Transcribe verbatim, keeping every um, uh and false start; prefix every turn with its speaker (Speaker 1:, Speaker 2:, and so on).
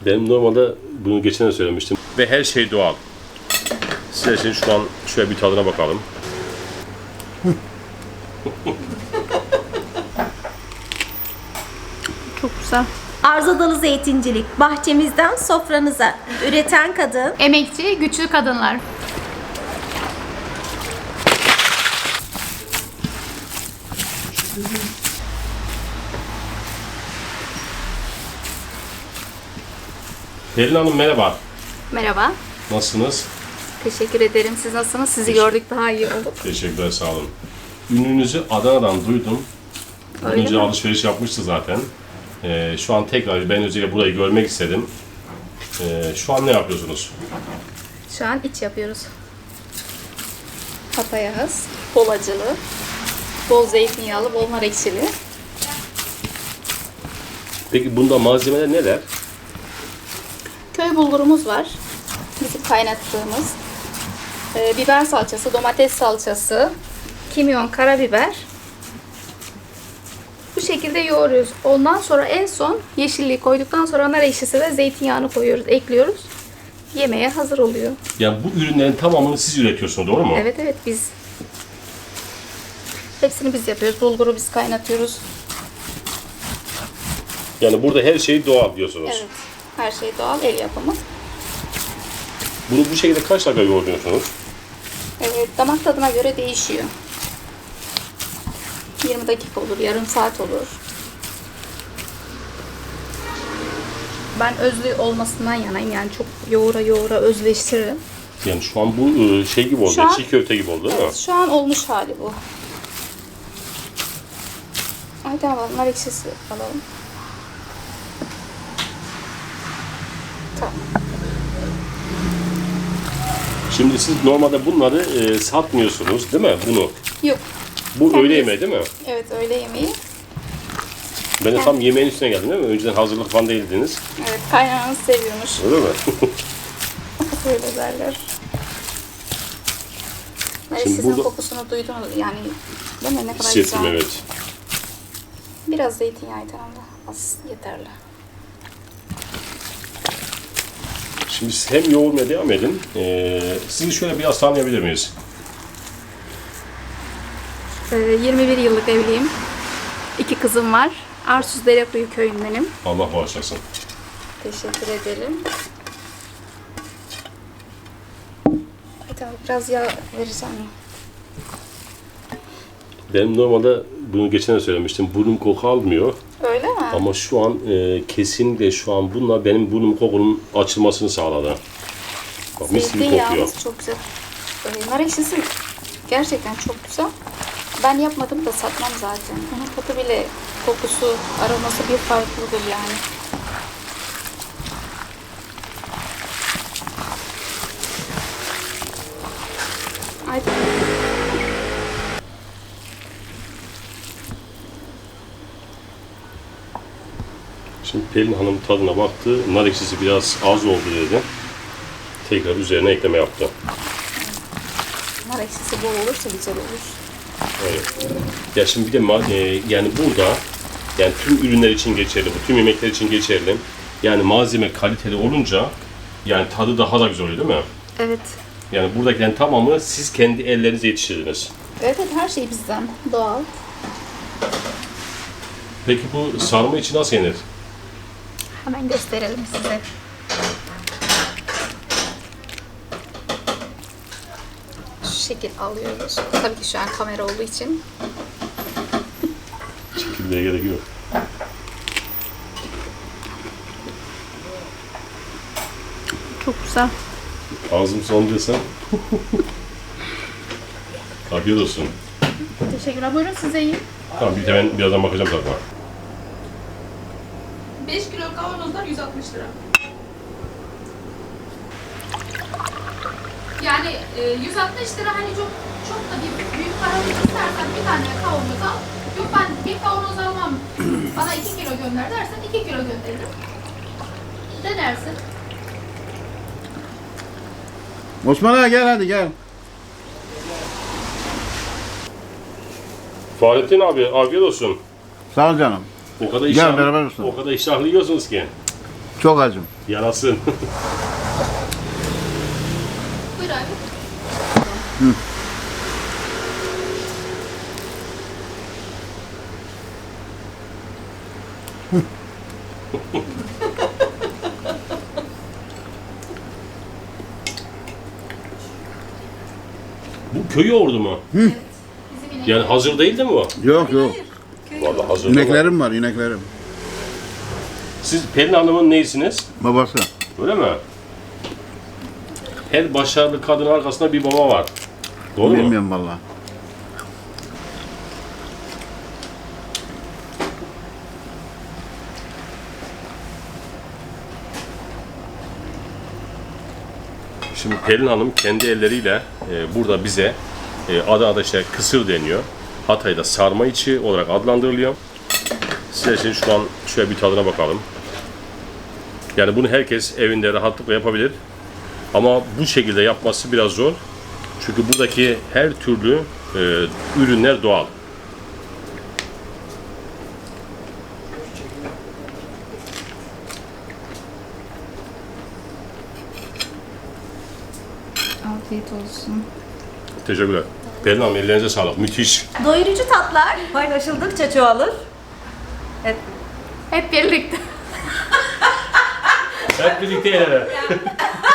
Speaker 1: Benim normalde bunu geçen de söylemiştim. Ve her şey doğal. Size için şu an şöyle bir tadına bakalım.
Speaker 2: Çok güzel.
Speaker 3: Arzadalı Zeytincilik, bahçemizden sofranıza. Üreten kadın.
Speaker 2: Emekçi, güçlü kadınlar.
Speaker 1: Pelin Hanım merhaba.
Speaker 2: Merhaba.
Speaker 1: Nasılsınız?
Speaker 2: Teşekkür ederim. Siz nasılsınız? Sizi gördük daha iyi olduk.
Speaker 1: Teşekkürler, sağ olun. Ününüzü Adana'dan duydum.
Speaker 2: Öyle
Speaker 1: Önce
Speaker 2: mi?
Speaker 1: alışveriş yapmıştı zaten. Ee, şu an tekrar ben özellikle burayı görmek istedim. Ee, şu an ne yapıyorsunuz?
Speaker 2: Şu an iç yapıyoruz. Papayaz, bol acılı, bol zeytinyağlı, bol nar ekşili.
Speaker 1: Peki bunda malzemeler neler?
Speaker 2: Köy bulgurumuz var. Bizim kaynattığımız. Ee, biber salçası, domates salçası, kimyon, karabiber. Bu şekilde yoğuruyoruz. Ondan sonra en son yeşilliği koyduktan sonra nar ekşisi ve zeytinyağını koyuyoruz, ekliyoruz. Yemeğe hazır oluyor.
Speaker 1: Yani bu ürünlerin tamamını siz üretiyorsunuz, doğru mu?
Speaker 2: Evet evet biz. Hepsini biz yapıyoruz. Bulguru biz kaynatıyoruz.
Speaker 1: Yani burada her şey doğal diyorsunuz.
Speaker 2: Evet. Her şey doğal, el yapımı.
Speaker 1: Bunu bu şekilde kaç dakika yoğuruyorsunuz?
Speaker 2: Evet, damak tadına göre değişiyor. yirmi dakika olur, yarım saat olur. Ben özlü olmasından yanayım. Yani çok yoğura yoğura özleştiririm.
Speaker 1: Yani şu an bu e, şey gibi oldu,
Speaker 2: Şu an-
Speaker 1: çiğ köfte gibi oldu değil mi?
Speaker 2: Evet, şu an olmuş hali bu. Ay tamam, nar ekşisi alalım. Tamam.
Speaker 1: Şimdi siz normalde bunları e, satmıyorsunuz değil mi? Bunu.
Speaker 2: Yok.
Speaker 1: Bu
Speaker 2: Kendiniz-
Speaker 1: öğle yemeği değil mi?
Speaker 2: Evet, öğle yemeği.
Speaker 1: Ben de tam yemeğin üstüne geldim değil mi? Önceden hazırlık falan değildiniz.
Speaker 2: Evet, kaynananız seviyormuş.
Speaker 1: Öyle mi?
Speaker 2: Öyle derler. Nar
Speaker 1: Şimdi
Speaker 2: ekşisinin
Speaker 1: burada-
Speaker 2: kokusunu duydunuz yani. Değil mi? Ne kadar
Speaker 1: Hissettim,
Speaker 2: güzel.
Speaker 1: evet.
Speaker 2: Biraz zeytinyağı yeter ama az yeterli.
Speaker 1: Şimdi siz hem yoğurmaya devam edin. Ee, sizi şöyle biraz tanıyabilir miyiz?
Speaker 2: Ee, yirmi bir yıllık evliyim. İki kızım var. Arsuz Derekuyu köyündenim.
Speaker 1: Allah bağışlasın.
Speaker 2: Teşekkür ederim. Bir tane biraz yağ vereceğim.
Speaker 1: Benim normalde bunu geçen de söylemiştim. Burnum koku almıyor.
Speaker 2: Öyle mi?
Speaker 1: Ama şu an e, kesinlikle şu an bununla benim burnum kokunun açılmasını sağladı. Bak mis gibi kokuyor.
Speaker 2: Zeytinyağımız çok güzel. Ee, nar ekşisi gerçekten çok güzel. Ben yapmadım da satmam zaten. Onun tadı bile, kokusu, aroması bir farklıdır yani. Haydi.
Speaker 1: Şimdi Pelin Hanım tadına baktı. Nar ekşisi biraz az oldu dedi. Tekrar üzerine ekleme yaptı.
Speaker 2: Nar ekşisi bol olursa güzel olur.
Speaker 1: Evet. Ya şimdi bir de ma- e, yani burada yani tüm ürünler için geçerli, bu tüm yemekler için geçerli. Yani malzeme kaliteli olunca yani tadı daha da güzel oluyor değil mi?
Speaker 2: Evet.
Speaker 1: Yani buradakilerin tamamını siz kendi ellerinizle yetiştirdiniz.
Speaker 2: Evet, evet, her şey bizden. Doğal.
Speaker 1: Peki bu sarma için nasıl yenir?
Speaker 2: Hemen gösterelim size. Şu şekil alıyoruz. Tabii ki şu an kamera olduğu için.
Speaker 1: Çekilmeye gerek yok.
Speaker 2: Çok güzel.
Speaker 1: Ağzım son desem. Afiyet olsun.
Speaker 2: Teşekkürler. Buyurun size yiyin.
Speaker 1: Tamam bir de ben birazdan bakacağım zaten.
Speaker 2: beş kilo kavanozlar yüz altmış lira. Yani e, yüz altmış lira hani çok çok da bir büyük para istersen bir tane kavanoz al. Yok ben bir kavanoz almam. Bana iki kilo gönder dersen iki kilo gönderirim. Denersin.
Speaker 4: Osman ağa gel hadi gel.
Speaker 1: Fahrettin abi afiyet olsun.
Speaker 4: Sağ ol canım.
Speaker 1: O kadar
Speaker 4: Gel,
Speaker 1: iştahlı,
Speaker 4: beraber olsun.
Speaker 1: o kadar iştahlı yiyorsunuz ki.
Speaker 4: Çok acım.
Speaker 1: Yarasın.
Speaker 2: Buyur abi.
Speaker 1: Bu köy yoğurdu mu?
Speaker 2: Bizim inek.
Speaker 1: Yani hazır değil de mi bu?
Speaker 4: Yok yok.
Speaker 1: Vallahi hazır.
Speaker 4: İneklerim var, ineklerim.
Speaker 1: Siz Pelin Hanım'ın neyisiniz?
Speaker 4: Babası.
Speaker 1: Öyle mi? Her başarılı kadın arkasında bir baba var. Doğru mu?
Speaker 4: Bilmiyorum vallahi.
Speaker 1: Şimdi Pelin Hanım kendi elleriyle e, burada bize e, Adana'da işte kısır deniyor. Hatay'da sarma içi olarak adlandırılıyor. Size şimdi şu an şöyle bir tadına bakalım. Yani bunu herkes evinde rahatlıkla yapabilir. Ama bu şekilde yapması biraz zor. Çünkü buradaki her türlü e, ürünler doğal.
Speaker 2: Afiyet olsun.
Speaker 1: Teşekkürler. Pelin Hanım ellerinize sağlık. Müthiş.
Speaker 3: Doyurucu tatlar.
Speaker 5: Paylaşıldıkça çoğalır. Evet.
Speaker 2: Hep birlikte.
Speaker 1: Hep birlikte el ele.